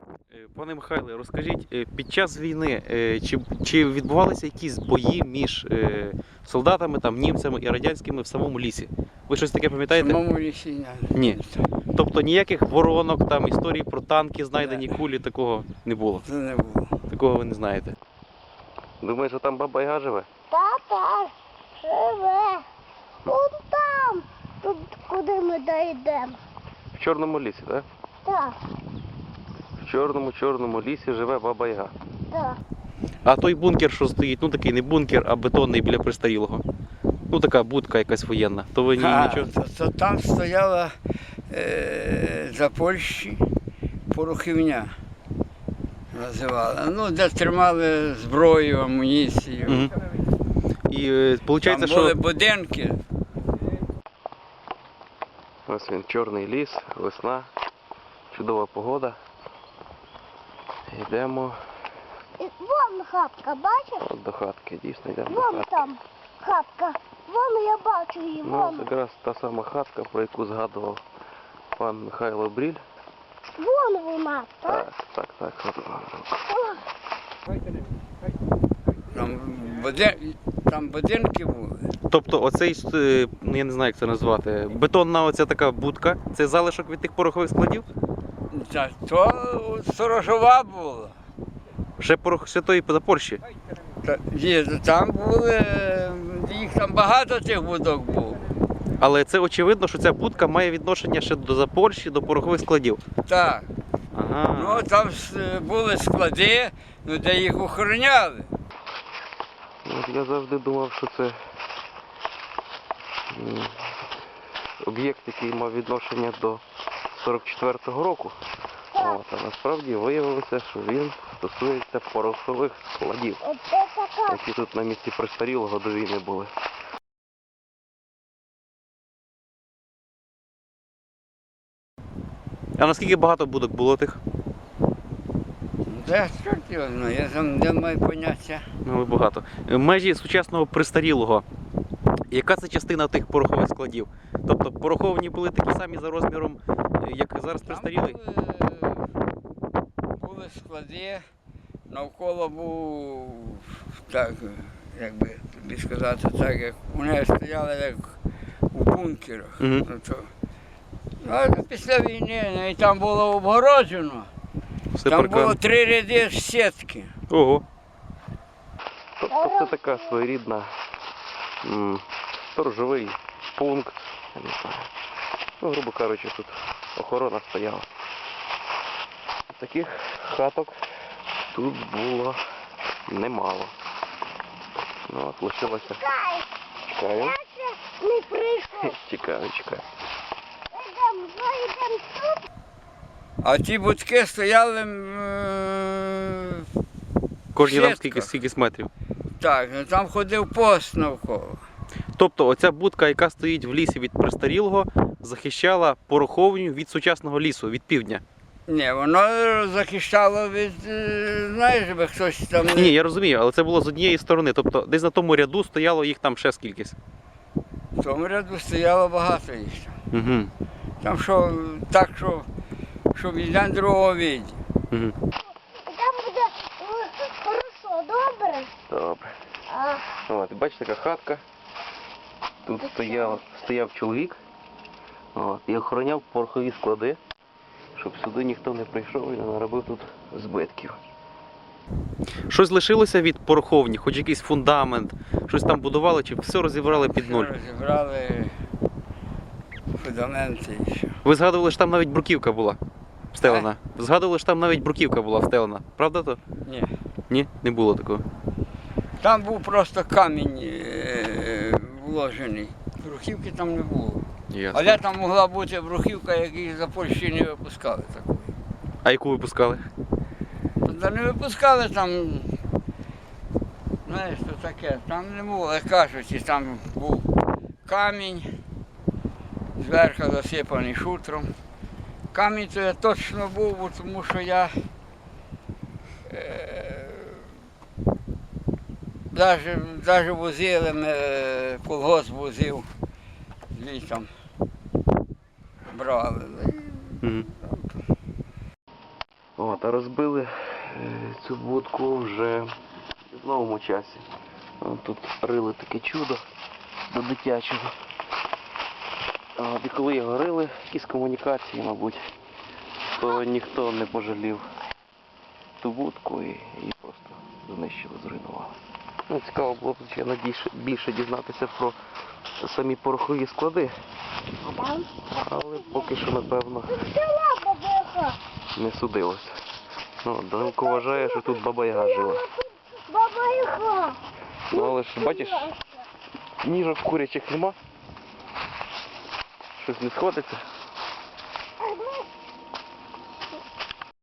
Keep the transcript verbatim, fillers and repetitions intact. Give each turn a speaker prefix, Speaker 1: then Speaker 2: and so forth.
Speaker 1: Пане Михайле, розкажіть, е, під час війни е, чи, чи відбувалися якісь бої між е, солдатами, там, німцями і радянськими в самому лісі? Ви щось таке
Speaker 2: В
Speaker 1: пам'ятаєте?
Speaker 2: самому лісі не.
Speaker 1: Ні. Тобто ніяких воронок, там, історії про танки, знайдені кулі, такого не було?
Speaker 2: Це не було.
Speaker 1: Такого ви не знаєте. Думаєш, що там Баба Яга живе?
Speaker 3: Тата живе. Вон там, тут куди ми дійдемо.
Speaker 1: В Чорному лісі, так?
Speaker 3: Так,
Speaker 1: В чорному-чорному лісі живе Баба Яга.
Speaker 3: так.
Speaker 1: А той бункер, що стоїть, ну такий не бункер, а бетонний біля Пристарілого. Ну така будка якась воєнна. То ви ні,
Speaker 2: А,
Speaker 1: нічого?
Speaker 2: то, то там стояла е, за Польщі порохівня називали. Ну, де тримали зброю, амуніцію.
Speaker 1: Угу. І е, виходить,
Speaker 2: Там
Speaker 1: що...
Speaker 2: були будинки.
Speaker 1: Ось він, чорний ліс, весна, чудова погода. Йдемо
Speaker 3: І вон хатка, бачиш?
Speaker 1: от до хатки, дійсно йдемо до
Speaker 3: Вон
Speaker 1: хатки.
Speaker 3: там хатка. Вон я бачу її,
Speaker 1: Ну,
Speaker 3: вон.
Speaker 1: якраз та сама хатка, про яку згадував пан Михайло Бріль.
Speaker 3: Вон вона, так?
Speaker 1: Так, так, так. от вона.
Speaker 3: О,
Speaker 2: Там, будин... там будинки були.
Speaker 1: Тобто оцей, е, ну я не знаю, як це назвати, бетонна оця така будка, це залишок від тих порохових складів?
Speaker 2: Та, то сторожова була.
Speaker 1: Ще порох ще тої за Польщі.
Speaker 2: Та, є, там були, їх там багато тих будок було.
Speaker 1: Але це очевидно, що ця будка має відношення ще до Запорщі, до порохових складів.
Speaker 2: Так.
Speaker 1: Ага.
Speaker 2: Ну, там с- були склади, ну, де їх охороняли.
Speaker 1: От я завжди думав, що це м, об'єкт, який мав відношення до сорок четвертого року. От, а насправді виявилося, що він стосується порохових складів,
Speaker 3: оце така.
Speaker 1: які тут на місці Пристарілого до війни були. А наскільки багато будок було тих?
Speaker 2: Де чорт його знає, я там не маю поняття.
Speaker 1: Ну, багато. Межі сучасного Пристарілого. Яка це частина тих порохових складів? Тобто пороховні були такі самі за розміром, як зараз
Speaker 2: Там
Speaker 1: Пристарілий?
Speaker 2: були, були склади, навколо був, так, як би тобі сказати, так, як вони стояли як у бункерах.
Speaker 1: Мгм.
Speaker 2: Ну, то, а після війни, ну, і там було обгороджено.
Speaker 1: Все
Speaker 2: Там
Speaker 1: паркан.
Speaker 2: було три ряди сітки.
Speaker 1: Ого. Тобто це така своєрідна м, сторожовий пункт. Я не знаю. Ну, грубо кажучи, тут охорона стояла. Таких хаток тут було немало. Ну, от лишилося.
Speaker 3: Чекай,
Speaker 1: Чекаю.
Speaker 3: я ще не прийшов.
Speaker 1: Чекаю, чекаю.
Speaker 3: Йдемо, ну йдемо тут.
Speaker 2: А ті будки стояли м,
Speaker 1: Кожні там
Speaker 2: Сітка.
Speaker 1: скільки, скільки метрів.
Speaker 2: так, ну, там ходив пост навколо.
Speaker 1: Тобто оця будка, яка стоїть в лісі від Пристарілого, захищала пороховню від сучасного лісу, від півдня.
Speaker 2: Ні, воно захищало від, е, знаєш, би хтось там не...
Speaker 1: Ні, я розумію, але це було з однієї сторони. Тобто десь на тому ряду стояло їх там ще скількись.
Speaker 2: В тому ряду стояло багато їх.
Speaker 1: Угу.
Speaker 2: Там що, так, що, що від другого віді.
Speaker 1: Угу.
Speaker 3: І там буде е, хорошо, добре?
Speaker 1: Добре.
Speaker 3: А,
Speaker 1: От, бачите, така хатка. Тут стояв, стояв чоловік. От, і охороняв порохові склади, щоб сюди ніхто не прийшов і не наробив тут збитків. Щось лишилося від пороховні, хоч якийсь фундамент, щось там будували, чи все розібрали під нуль?
Speaker 2: Розібрали фундаменти і все.
Speaker 1: Ви згадували, що там навіть бруківка була встелена. Згадували, що там навіть бруківка була встелена. Правда то?
Speaker 2: Ні.
Speaker 1: Ні, не було такого.
Speaker 2: Там був просто камінь е, вложений. Брухівки там не було.
Speaker 1: Ясно.
Speaker 2: Але там могла бути брухівка, яку за Польщі не випускали такої.
Speaker 1: А яку ви пускали?
Speaker 2: Та не випускали там, знаєш, що таке, там не було, як кажуть, і там був камінь, зверху засипаний шутром. Камінь то я точно був, бо тому що я е, навіть возили, ми, колгосп возив, звідти брали.
Speaker 1: Угу. От, От, а розбили е, цю будку вже в новому часі. От тут рили таке чудо до дитячого. От, і коли його рили, якісь комунікації, мабуть, то ніхто не пожалів ту будку і її просто знищили, зруйнували. Ну, цікаво було б, звичайно, більше, більше дізнатися про самі порохові склади, але поки що, напевно,
Speaker 3: Села баба-яга.
Speaker 1: не судилося. Ну, Данилко вважає, що тут баба-яга жила.
Speaker 3: Баба-яга.
Speaker 1: Ну, але ж, бачиш, ніжок курячих нема. Щось не сходиться.